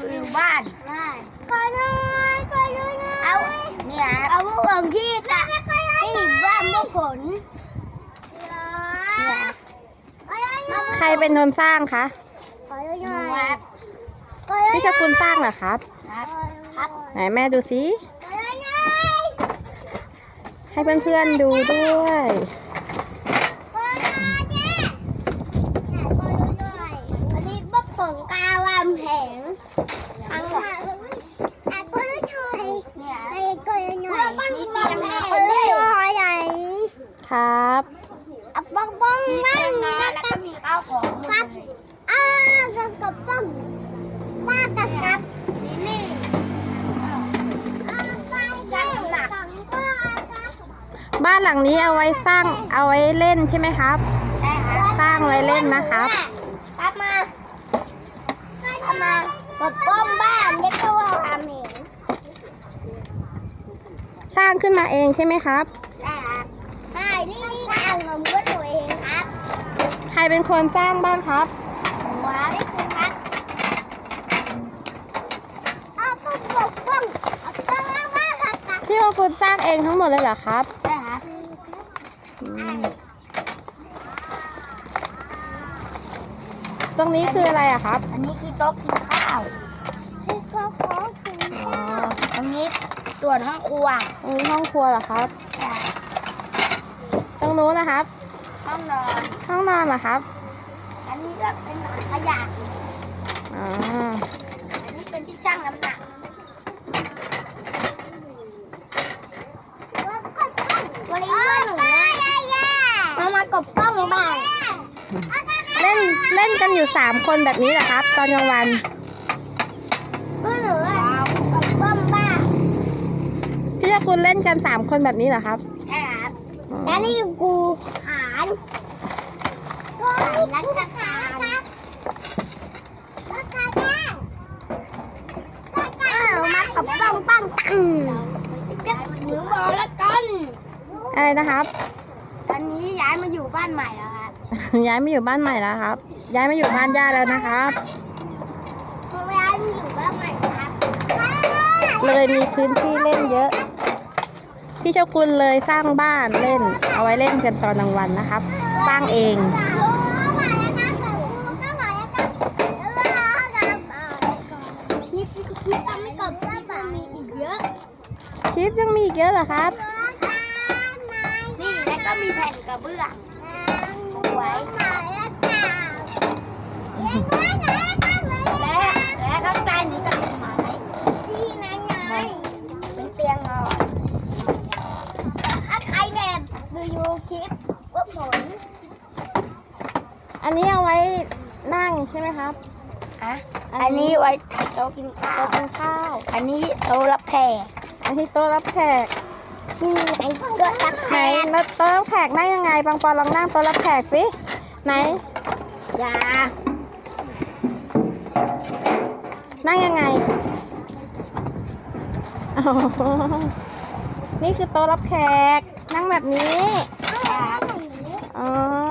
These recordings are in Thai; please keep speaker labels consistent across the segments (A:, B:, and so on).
A: อยู่บ้านก็เลยเอาเนี่ยเอาพวกเอิงที่ตะที่บ้านพวกผล
B: ใครเป็นคนสร้างคะพี่ชกุลสร้างเหรอครับไหนแม่ดูสิให้เพื่อนๆดูด้วย
A: อันนี้พวกผงกาวามแผงทั้งหมดเนี่ยก็เลยหน่อยนี่เตียงนอนเลยใหญ่
B: ครับ
A: บ้องบ้องบ้างแล้วก็มีข้าวของครับกับบ้องบ้านกับนี่
B: บ้านหลังนี้เอาไว้สร้างเอาไว้เล่นใช่ไหมครับสร้างไว้เล่นนะครับ
A: ครับมากับบ้องบ้านเด็กก็ว่าทำเอง
B: สร้างขึ้นมาเองใช่ไหมครับ
A: ใช่นี่อ่างเงินก็ตัวเองครับ
B: ใครเป็นคนสร้างบ้างครับ
A: ว้าวนี่คุณครับบ้อง
B: พี่ว่าคุณสร้างเองทั้งหมดเลยเหรอครับ
A: ใช่ครับ
B: ตรงนี้คืออะไรอะครับ
A: อันนี้คือโต๊ะกินข้าวที่โต๊ะกินข้าวอันนี้ส่วนห้องครัว
B: ตรงนี้ห้องครัวเหรอครับตรงนู้นนะครับ
A: ห้องนอน
B: เหรอครับ
A: อันนี้ก็เป็นขยะอันนี้เป็นที่ชั่งน้ำหนักวันนี้ว่าหนูมากบกล้องบ้าง
B: เล่นกันอยู่3 คนแบบนี้เหรอครับตอนกลางวัน
A: ว่าหนูกบกล้องบ้าง
B: พี่ชกุลเล่นกัน3 คนแบบนี้เหรอครับ
A: ใช่ครับแล้วนี่กูขานรักษาครับมากับกล้องปั้งหนูบอกแล้วกัน
B: อะไรนะครับ
A: ตอนนี้ย้ายมาอยู่บ้านใหม่แล้วครับ
B: ย้ายมาอยู่บ้านใหม่แล้วครับย้ายมาอยู่บ้านย่าแล้วนะครับ
A: ย้ายมาอยู่บ้านใหม่ครับ
B: เลยมีพื้นที่เล่นเยอะพี่เจ้าคุณเลยสร้างบ้านเล่นเอาไว้เล่นกันตอนกลางวันนะครับสร้างเอง
A: คลิปยังไม่จบมีอีกเยอะ
B: คลิปยังมีอีกเยอะเหรอครับ
A: นี่แล้วก็มีแผ่นกระเบื้องไว้และข้างใต้นี้ก็เป็นไม้ที่นั่นไงเป็นเตียงนอนถ้าใครแบบดูคลิปว่าผล
B: อันนี้เอาไว้นั่งใช่ไหมครับ
A: อันนี้ไว้โต๊ะกินข้าวอันนี้โต๊ะรับแขก
B: อันนี้โต๊ะรับแขก
A: นี่ไงโต๊ะรับแขก
B: แล้วโต๊ะรับแขกนั่งยังไงปังปอนลองนั่งโต๊ะรับแขกสิไหน
A: อย่า
B: นั่งยังไงนี่คือโต๊ะรับแขกนั่งแบบนี้อ๋อ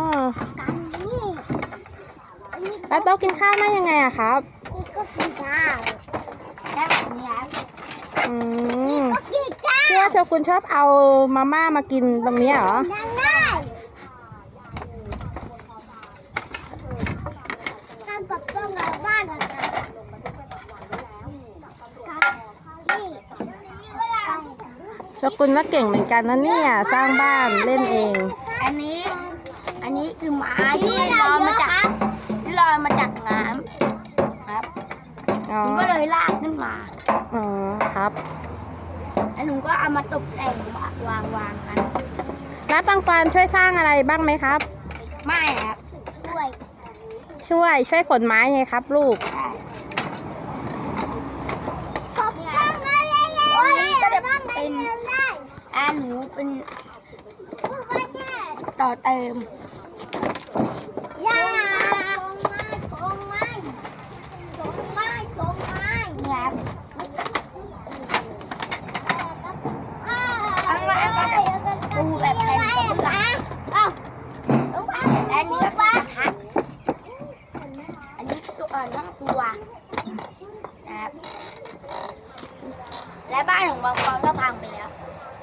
B: แล้วโต๊ะกินข้าวนั่งยังไงอะครับ
A: ก็กินข้าวแบบนี้
B: พี่ว่าโชกุนชอบเอามาม่ามากินตรงนี้เหรอโชกุนก็เก่งเหมือนกันนะเนี่ยสร้างบ้านเล่นเอง
A: อันนี้คือไม้ที่ลอยมาจากน้ำครับหนูก็เลยลากขึ้นมา
B: อ๋อครับ
A: แล้วหนูก็เอามาตกแต่งวางกัน
B: แล้วปังปอนช่วยสร้างอะไรบ้างไหมครับ
A: ไม่ครับ
B: ช่วยขนไม้ไงครับลูก
A: นี่ก็จะเป็นหนูเป็นต่อเติมครับข้างล่างก็จะปูแบบแผ่นกระเบื้องและนี้ก็ทัดอันนี้ตัวห้องครัวนะครับและบ้านของบางปอนก็พังไปแล้ว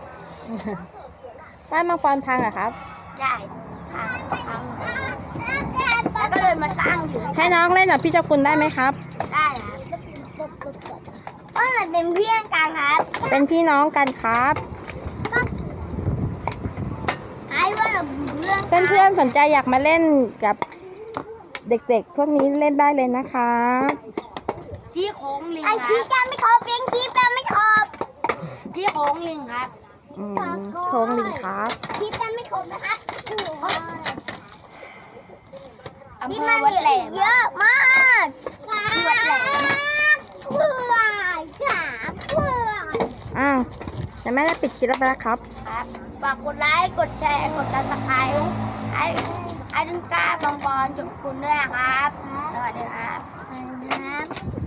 B: บ้านมังกรพังเหรอครับ
A: ใช่พังแล้วก็เลยมาสร้างอยู่
B: ให้น้องเล่นกับพี่เจ้าคุณได้ไหมครับ
A: ได้ครับก็เหมือนเป็นเพื่อนกันครับ
B: เป็นพี่น้องกันครับ
A: ไอ้ว่าเราเพื่อน
B: เพื่อนๆสนใจอยากมาเล่นกับเด็กๆพวกนี้เล่นได้เลยนะคะ
A: ที่โค้งลิงครับไอ้ที่จะไม่ครบเลี้ยงที่จะไม่ครบที่โค้งลิงครับ
B: โค้งลิงครับ
A: ที่จะไม่ครบนะครับอำเภอวัดแหลมเยอะมากที่วัดแหลมเพื่อนจ๋าเพื่อน
B: อ้าวแต่แม่ได้ปิดคลิปแล้วนะครับ
A: ครับฝากกดไลค์กดแชร์กดซับสไครต์ให้ดึงกล้าบองบอลจุดคุณด้วยนะครับสวัสดีครับ